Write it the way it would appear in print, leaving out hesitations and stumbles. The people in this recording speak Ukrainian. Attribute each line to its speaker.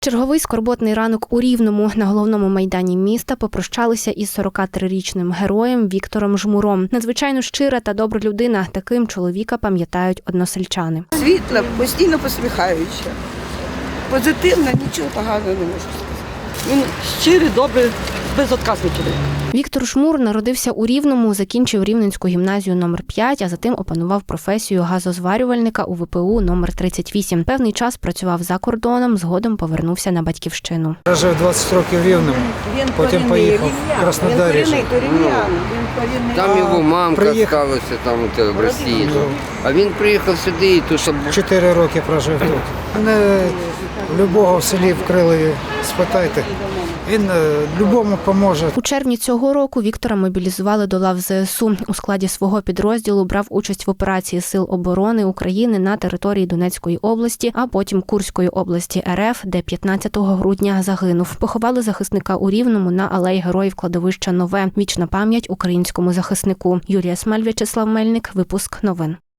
Speaker 1: Черговий скорботний ранок у Рівному. На головному майдані міста попрощалися із 43-річним героєм Віктором Жмуром. Надзвичайно щира та добра людина. Таким чоловіка пам'ятають односельчани.
Speaker 2: Світла, постійно посміхаюча. Позитивна, нічого поганого не можу сказати.
Speaker 3: Він щирий, добрий, безотказний чоловік.
Speaker 1: Віктор Жмур народився у Рівному, закінчив Рівненську гімназію номер 5, а затим опанував професію газозварювальника у ВПУ номер 38. Певний час працював за кордоном, згодом повернувся на батьківщину.
Speaker 4: Жив 20 років в Рівному, потім поїхав в Краснодарі.
Speaker 2: Він корінний.
Speaker 5: Там його мамка сталася там в Росії. А він приїхав сюди і тут.
Speaker 4: 4 роки прожив тут. Мене любого в селі вкрили, спитайте. Він любому поможе.
Speaker 1: У червні цього року Віктора мобілізували до лав ЗСУ. У складі свого підрозділу брав участь в операції Сил оборони України на території Донецької області, а потім Курської області РФ, де 15 грудня загинув. Поховали захисника у Рівному на алеї Героїв кладовища Нове. Вічна пам'ять українському захиснику. Юлія Смаль, В'ячеслав Мельник. Випуск новин.